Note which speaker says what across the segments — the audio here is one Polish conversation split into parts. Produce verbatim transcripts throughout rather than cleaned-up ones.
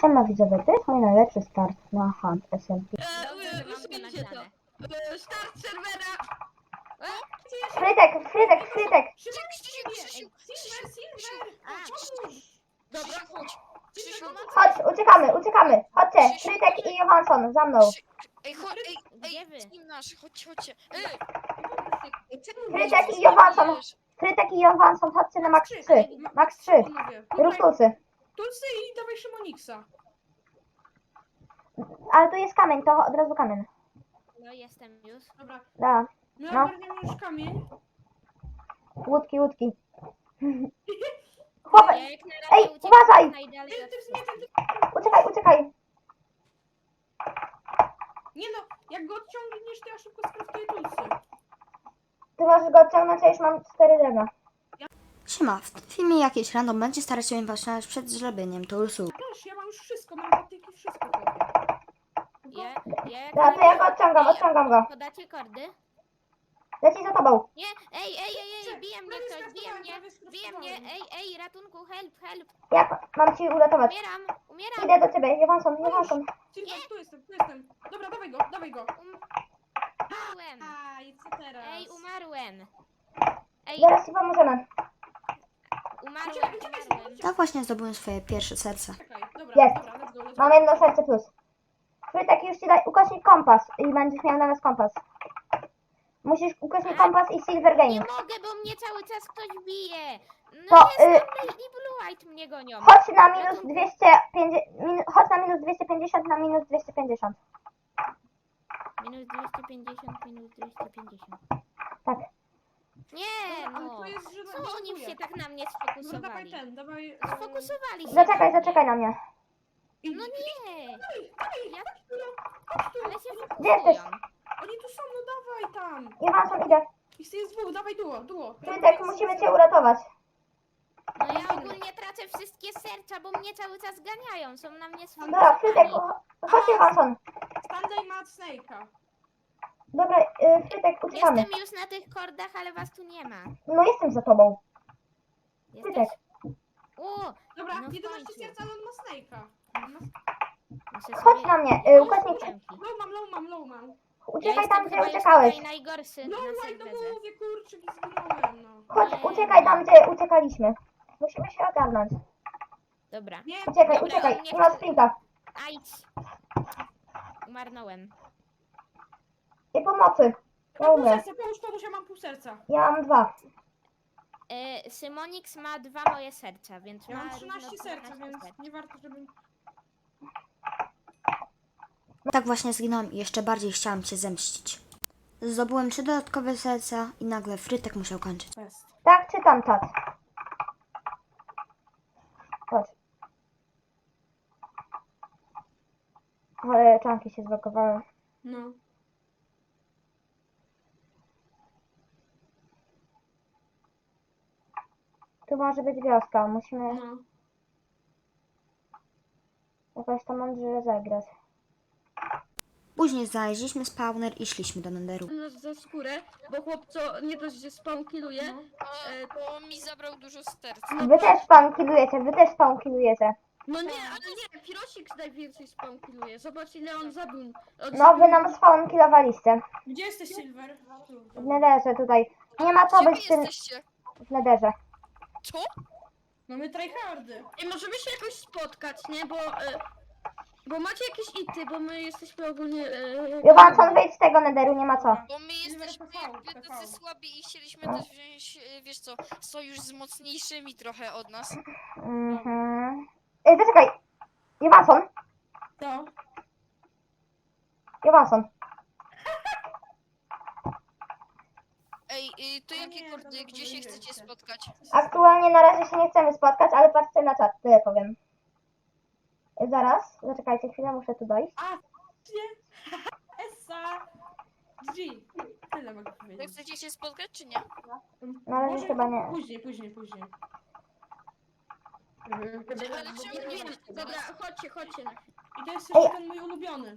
Speaker 1: Siema widzowie, to jest mój najlepszy start na Hunt S M P.
Speaker 2: Dobrze, że mam to nagrane.
Speaker 3: E, Start serwera!
Speaker 1: Frytek, Frytek, Frytek!
Speaker 3: Szymon, Krzysiu, Krzysiu, Silver, Silver!
Speaker 2: A,
Speaker 3: Dobra,
Speaker 2: chodź. Krzysiu,
Speaker 1: Chodź, uciekamy, uciekamy! Chodźcie, Frytek i Johansson, za mną!
Speaker 2: ej, chodź, ej,
Speaker 4: Gdzie
Speaker 2: ej,
Speaker 4: wy?
Speaker 2: team nasz, chodźcie, chodźcie. Ej,
Speaker 1: Frytek i Johansson, Frytek i Johansson, chodźcie na max trzy, max trzy, Rustusy.
Speaker 3: Tulsy i dawaj Szymoniksa.
Speaker 1: Ale tu jest kamień, to od razu kamień.
Speaker 4: No jestem już.
Speaker 3: Dobra,
Speaker 1: Da,
Speaker 3: my
Speaker 1: No.
Speaker 3: ogarniamy już kamień.
Speaker 1: łódki, łódki. Chłopie,
Speaker 4: Ja jak na razie
Speaker 1: Ej,
Speaker 4: uciekam
Speaker 1: uważaj!
Speaker 4: najdalej
Speaker 3: Ty,
Speaker 4: od
Speaker 3: ty,
Speaker 4: wszystkich.
Speaker 3: nie, ty,
Speaker 1: uciekaj, uciekaj!
Speaker 3: nie no, jak go odciągniesz, to ja szybko skraftuję Tulsy.
Speaker 1: Ty możesz go odciągnąć, a już mam cztery drewna.
Speaker 5: Siema, w tym filmie jakiś random będzie starać się imponować przed zrobieniem tulsu.
Speaker 3: Też, ja mam już wszystko, mam patyki, wszystko chłopie.
Speaker 4: Ja, ja jak
Speaker 1: Dobra, to ja go odciągam, odciągam go.
Speaker 4: Podacie kordy?
Speaker 1: Leci za tobą.
Speaker 4: Nie, ej, ej, ej, ej, bije mnie
Speaker 3: prawie
Speaker 4: ktoś, bije mnie,
Speaker 3: skraftowałem,
Speaker 4: bije
Speaker 3: prawie
Speaker 4: mnie,
Speaker 3: skraftowałem.
Speaker 4: ej, ej, ratunku, help, help,
Speaker 1: Jak mam ci uratować?
Speaker 4: umieram, umieram,
Speaker 1: Idę do ciebie, Johansson, Johansson.
Speaker 3: Silver, tu jestem, tu jestem. Dobra, dawaj go, dawaj go.
Speaker 4: umarłem,
Speaker 3: Aj, co teraz?
Speaker 4: ej, umarłem, ej,
Speaker 1: Zaraz ci pomożemy.
Speaker 4: umarłem, umarłem.
Speaker 5: Tak właśnie zdobyłem swoje pierwsze serce.
Speaker 3: Czekaj, dobra,
Speaker 1: Jest.
Speaker 3: dobra, let's go, let's go.
Speaker 1: Mam jedno serce plus. Frytek, już ci daj ukośnik kompas i będziesz miał na nas kompas. Musisz ukośnik kompas i Silver
Speaker 4: Nie
Speaker 1: Gaming.
Speaker 4: mogę, bo mnie cały czas ktoś bije.
Speaker 1: To,
Speaker 4: No jest
Speaker 1: y-
Speaker 4: tam i Blue White mnie gonią.
Speaker 1: Chodź na minus dwieście pięćdziesiąt, minu, chodź na minus dwieście pięćdziesiąt na minus dwieście pięćdziesiąt.
Speaker 4: Minus dwieście pięćdziesiąt, minus dwieście pięćdziesiąt.
Speaker 1: Tak.
Speaker 4: Nie,
Speaker 3: Ale
Speaker 4: no.
Speaker 3: to jest, że
Speaker 4: Co oni
Speaker 3: blokuje.
Speaker 4: się tak na mnie
Speaker 3: No dawaj
Speaker 4: sfokusowali?
Speaker 3: ten, dawaj... e,
Speaker 4: Sfokusowali się
Speaker 1: Zaczekaj,
Speaker 4: na mnie.
Speaker 1: zaczekaj na mnie.
Speaker 3: i-
Speaker 4: No nie. Ja,
Speaker 3: Chodź tu,
Speaker 4: ale się
Speaker 1: Gdzie jesteś?
Speaker 4: fokusują.
Speaker 3: oni tu są, no dawaj tam.
Speaker 1: Johansson, idę.
Speaker 3: Ich jest dwóch, dawaj duo, duo.
Speaker 1: Frytek, musimy cię uratować.
Speaker 4: No ja ogólnie tracę wszystkie serca, bo mnie cały czas ganiają. Są na mnie
Speaker 1: Dobra, Frytek,
Speaker 4: sfokusowani.
Speaker 1: chodź Johansson.
Speaker 3: Stanley ma Snake'a.
Speaker 1: Dobra, y, Frytek, uciekamy.
Speaker 4: Jestem już na tych kordach, ale was tu nie ma.
Speaker 1: No jestem za tobą.
Speaker 4: Jesteś?
Speaker 1: Frytek.
Speaker 4: O,
Speaker 3: Dobra,
Speaker 4: No w
Speaker 3: jedenaście
Speaker 4: końcu.
Speaker 3: serca, ale on ma Snake'a. On ma...
Speaker 4: muszę
Speaker 1: Chodź
Speaker 4: sobie...
Speaker 1: na mnie, y, ukośnik.
Speaker 4: Dzięki.
Speaker 3: Low mam, low mam, low mam.
Speaker 4: Ja
Speaker 1: Uciekaj tam,
Speaker 4: jestem
Speaker 1: gdzie
Speaker 4: chyba już
Speaker 1: uciekałeś.
Speaker 4: tutaj najgorszy
Speaker 3: No
Speaker 4: na
Speaker 3: white, no
Speaker 4: serwerze.
Speaker 3: mówię, kurczę, i zginąłem, no.
Speaker 1: Chodź,
Speaker 4: Nie.
Speaker 1: uciekaj tam, gdzie uciekaliśmy. Musimy się ogarnąć.
Speaker 4: Dobra.
Speaker 3: Nie,
Speaker 1: Uciekaj,
Speaker 4: Dobra,
Speaker 1: uciekaj,
Speaker 4: on mnie
Speaker 1: nie ma
Speaker 4: chce-
Speaker 1: sprinta.
Speaker 4: Ajdź. Umarnąłem.
Speaker 1: I pomocy. Ja
Speaker 3: mam pół
Speaker 1: umrę.
Speaker 3: serca, pomóż, pomóż, ja mam pół serca.
Speaker 1: Ja mam dwa.
Speaker 4: E, Symonix ma dwa moje serca, więc
Speaker 3: Ja
Speaker 4: ma
Speaker 3: mam trzynaście
Speaker 4: równo
Speaker 3: serca,
Speaker 4: dwanaście
Speaker 3: więc
Speaker 4: serc.
Speaker 3: nie warto, żebym...
Speaker 5: Tak właśnie zginąłem i jeszcze bardziej chciałam cię zemścić. Zdobyłem trzy dodatkowe serca i nagle Frytek musiał kończyć.
Speaker 3: Best.
Speaker 1: Tak, czytam czat. Chodź. Ale czanki się zblokowały.
Speaker 3: No.
Speaker 1: Tu może być wioska, musimy
Speaker 3: No.
Speaker 1: jakoś to mądrze zagrać.
Speaker 5: Później znaleźliśmy spawner i szliśmy do Nenderu.
Speaker 6: nas za skórę, bo chłopco nie dość, że spawn killuje.
Speaker 2: no,
Speaker 6: E,
Speaker 2: bo mi zabrał dużo serc.
Speaker 1: Wy też spawn killujecie, wy też spawn killujecie.
Speaker 6: No nie, ale nie, Firosik najwięcej spawn killuje. Zobacz ile on zabił. On
Speaker 1: No wy nam spawn killowaliście.
Speaker 3: Gdzie jesteś, Silver? Tu.
Speaker 1: W nederze tutaj. Nie ma co
Speaker 2: Gdzie wy
Speaker 1: być w tym
Speaker 2: jesteście?
Speaker 1: w nederze.
Speaker 2: Co?
Speaker 3: No my tryhardy.
Speaker 6: I możemy się jakoś spotkać, nie? Bo, e, bo macie jakieś ity, bo my jesteśmy ogólnie... E,
Speaker 1: Johansson, wyjdź z tego nederu, nie ma co.
Speaker 2: Bo my jesteśmy
Speaker 3: P V,
Speaker 2: jakby
Speaker 3: P V.
Speaker 2: tacy słabi i chcieliśmy też wziąć, e, wiesz co, sojusz z mocniejszymi trochę od nas.
Speaker 1: Mhm. Ej, zaczekaj. Johansson,
Speaker 3: To.
Speaker 1: Johansson.
Speaker 2: Ej, y, to
Speaker 3: A
Speaker 2: jakie
Speaker 3: nie,
Speaker 2: kordy,
Speaker 3: dobra,
Speaker 2: gdzie się
Speaker 3: pomyliłem
Speaker 2: chcecie
Speaker 3: się.
Speaker 2: spotkać?
Speaker 1: Aktualnie na razie się nie chcemy spotkać, ale patrzcie na czat, tyle powiem. Zaraz, zaczekajcie chwilę, muszę tu dojść.
Speaker 3: A, nie. Essa. G. Tyle mogę
Speaker 2: To
Speaker 3: powiedzieć.
Speaker 2: chcecie się spotkać, czy nie?
Speaker 1: Na razie
Speaker 3: Może
Speaker 1: chyba nie.
Speaker 3: Później, później, później.
Speaker 2: Ale czemu nie
Speaker 6: Wiem,
Speaker 2: chcecie
Speaker 6: dobra,
Speaker 2: nas?
Speaker 6: chodźcie, chodźcie.
Speaker 3: I to jest
Speaker 1: Ej.
Speaker 3: jeszcze ten mój ulubiony.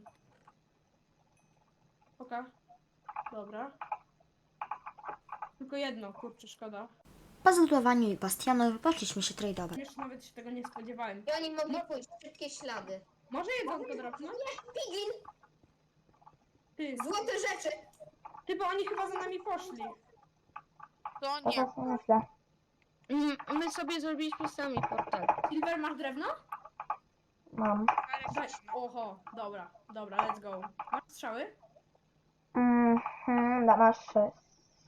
Speaker 3: Oka. Dobra. Tylko jedno, kurczę, szkoda.
Speaker 5: Po zlutowaniu i bastionów poszliśmy się tradeować.
Speaker 3: Jeszcze nawet się tego nie spodziewałem.
Speaker 7: I oni mogli pójść, wszystkie ślady.
Speaker 3: Może jedzonko dropnąć?
Speaker 7: Pigin!
Speaker 3: Ty,
Speaker 7: Złote rzeczy!
Speaker 3: ty, bo oni chyba za nami poszli.
Speaker 2: To
Speaker 1: To
Speaker 2: nie.
Speaker 1: właśnie myślę.
Speaker 6: Mm, My sobie zrobiliśmy sami portal.
Speaker 3: Silver, masz drewno?
Speaker 1: Mam.
Speaker 3: Daj. Oho, dobra, dobra, let's go. Masz strzały?
Speaker 1: Mhm, da, masz sześć.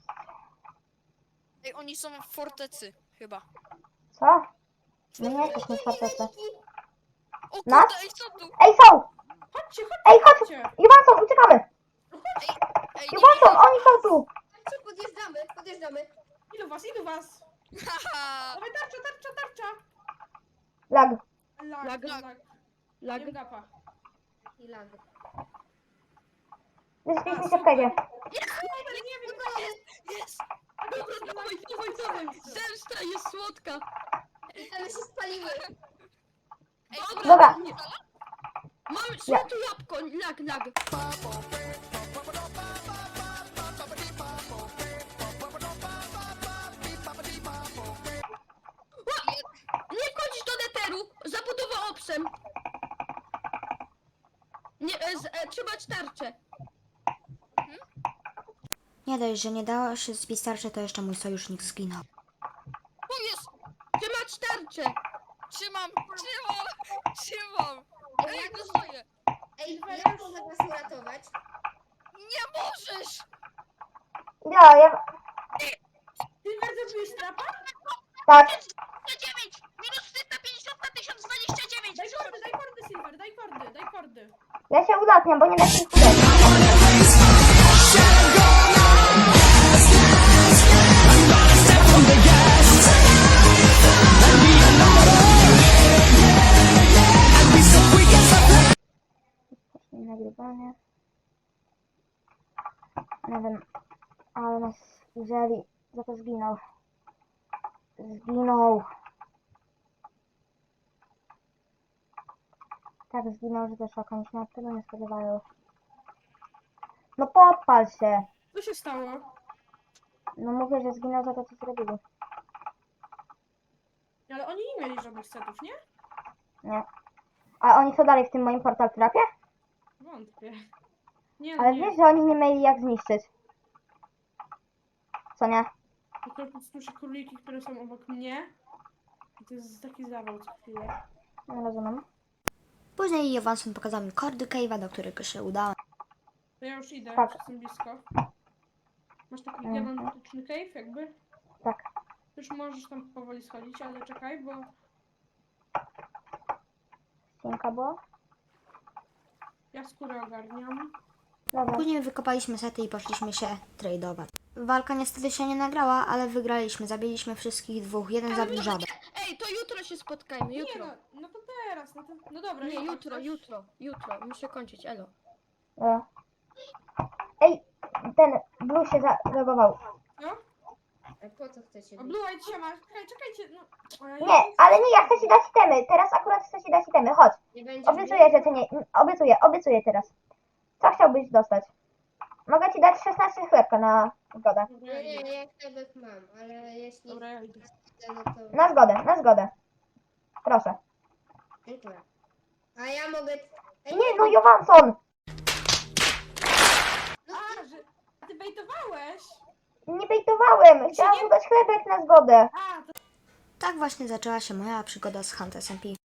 Speaker 2: Ej, oni są w fortecy, chyba.
Speaker 1: Co? My nie jesteśmy w fortecy.
Speaker 2: O
Speaker 1: Nas?
Speaker 2: kurde, ej, co tu?
Speaker 1: Ej, są!
Speaker 3: Chodźcie,
Speaker 1: Ej, chodź!
Speaker 3: chodźcie!
Speaker 1: Johansson, uciekamy!
Speaker 2: Ej, nie
Speaker 1: Johansson, oni są tu!
Speaker 7: Chodźcie, podjeżdżamy, podjeżdżamy.
Speaker 3: Ilu was, ilu was?
Speaker 2: Haha!
Speaker 3: Dawaj, tarcza, tarcza, tarcza!
Speaker 1: Lag.
Speaker 3: Lag,
Speaker 6: Lag.
Speaker 3: lag, lag.
Speaker 6: Lag.
Speaker 3: Jem gapa.
Speaker 7: I lag.
Speaker 1: Wyszliśmy się w
Speaker 3: super.
Speaker 1: kajdzie.
Speaker 3: Nie, nie wiem,
Speaker 2: Jest!
Speaker 6: Dobra, dawaj, dawaj, dawaj. Zemsta jest słodka.
Speaker 7: I one się spaliły.
Speaker 2: Ej,
Speaker 1: Dobra.
Speaker 6: Nie. Mam złote jabłko. Lag, lag. Ła! Nie wchodzisz do neteru. Zabudowa obsem. Nie, e, z, e, trzymać tarczę.
Speaker 5: Nie dość, że nie dało się zbić tarczy, to jeszcze mój sojusznik zginął.
Speaker 2: O, jest!
Speaker 6: Trzymać tarczę.
Speaker 2: Trzymam! Trzymam! Trzymam! Ej, dostaję!
Speaker 7: Ej, ja mogę was uratować.
Speaker 2: Nie możesz!
Speaker 1: Ja, ja...
Speaker 3: Silver, zrobiłeś trapa?
Speaker 1: Tak.
Speaker 2: dziewięć! Minus trzysta pięćdziesiąt na tysiąc dwadzieścia dziewięć!
Speaker 3: Daj kordy, daj kordy, Silver, daj kordy, daj kordy.
Speaker 1: Ja się ulatniam, bo nie da się ich uderzyć. Nagrywanie. Nie wiem, ale nas wzięli, za to zginął. Zginął. Tak zginął, że to szok, oni się nawet tego nie spodziewają. No podpal się!
Speaker 3: Co się stało?
Speaker 1: No mówię, że zginął za to, co zrobili.
Speaker 3: Ale oni nie mieli żadnych setów, nie?
Speaker 1: Nie. A oni co dalej w tym moim portal trapie?
Speaker 3: Wątpię. Nie, no
Speaker 1: Ale
Speaker 3: nie.
Speaker 1: wiesz, że oni nie mieli jak zniszczyć. Co nie?
Speaker 3: Tylko słyszę króliki, które są obok mnie. I to jest taki zawał co chwilę.
Speaker 1: Nie rozumiem.
Speaker 5: Później Johansson pokazał mi kordy cave'a, do którego się udałem.
Speaker 3: To ja już idę,
Speaker 1: Tak.
Speaker 3: już jestem blisko. Masz taki
Speaker 1: Mhm.
Speaker 3: gigantyczny cave jakby?
Speaker 1: Tak.
Speaker 3: Już możesz tam powoli schodzić, ale czekaj, bo...
Speaker 1: Cienka była?
Speaker 3: Ja skórę ogarniam.
Speaker 1: Dobra.
Speaker 5: Później wykopaliśmy sety i poszliśmy się tradeować. Walka niestety się nie nagrała, ale wygraliśmy. Zabiliśmy wszystkich dwóch. Jeden zabił żabę.
Speaker 6: Ej, to jutro się spotkajmy,
Speaker 3: Nie
Speaker 6: jutro.
Speaker 3: no, no to teraz, no to... No dobra,
Speaker 6: Nie,
Speaker 3: tak,
Speaker 6: jutro,
Speaker 3: też.
Speaker 6: jutro, jutro. Muszę kończyć, elo.
Speaker 1: E. Ej, ten Blue się zareagował.
Speaker 3: No?
Speaker 7: A po co chcecie
Speaker 3: O,
Speaker 7: bić?
Speaker 3: Blue Eye się ma... Czekaj, czekajcie, no... O, ja
Speaker 1: Nie, ale nie, ja chcę ci dać itemy. Teraz akurat chcę ci dać itemy. Chodź.
Speaker 7: Nie będzie
Speaker 1: Obiecuję, że ty nie... Obiecuję, obiecuję teraz. Co chciałbyś dostać? Mogę ci dać szesnaście chlebka na zgodę.
Speaker 3: Dobra, ja
Speaker 7: Nie,
Speaker 3: idę.
Speaker 7: nie, ja chlebek mam, ale jeśli
Speaker 3: Dobra, ja idę.
Speaker 7: chcę, no to...
Speaker 1: Na zgodę, na zgodę. Proszę.
Speaker 7: Dziękuję. A ja mogę... Ej,
Speaker 1: Nie, no Johansson!
Speaker 3: A, że... A ty bejtowałeś?
Speaker 1: Nie bejtowałem. Chciałam mu dać chlebek na zgodę.
Speaker 3: A, to
Speaker 5: Tak właśnie zaczęła się moja przygoda z Hunt S M P.